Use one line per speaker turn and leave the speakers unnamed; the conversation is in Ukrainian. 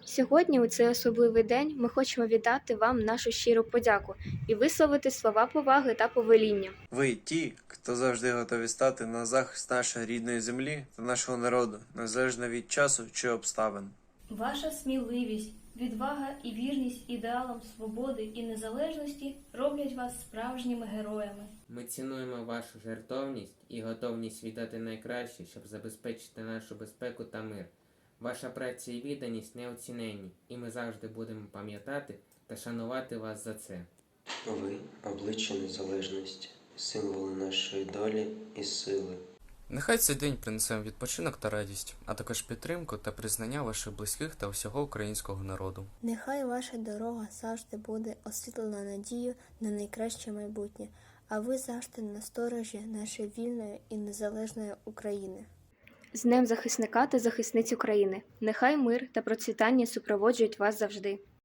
Сьогодні, у цей особливий день, ми хочемо віддати вам нашу щиру подяку і висловити слова поваги та повеління.
Ви ті, хто завжди готові стати на захист нашої рідної землі та нашого народу, незалежно від часу чи обставин.
Ваша сміливість, відвага і вірність ідеалам свободи і незалежності роблять вас справжніми героями.
Ми цінуємо вашу жертовність і готовність віддати найкраще, щоб забезпечити нашу безпеку та мир. Ваша праця і відданість неоціненні, і ми завжди будемо пам'ятати та шанувати вас за це.
Ви – обличчя незалежності, символи нашої долі і сили.
Нехай цей день принесе вам відпочинок та радість, а також підтримку та признання ваших близьких та всього українського народу.
Нехай ваша дорога завжди буде освітлена надією на найкраще майбутнє, а ви завжди на сторожі нашої вільної і незалежної України.
З Днем захисника та захисниць України! Нехай мир та процвітання супроводжують вас завжди!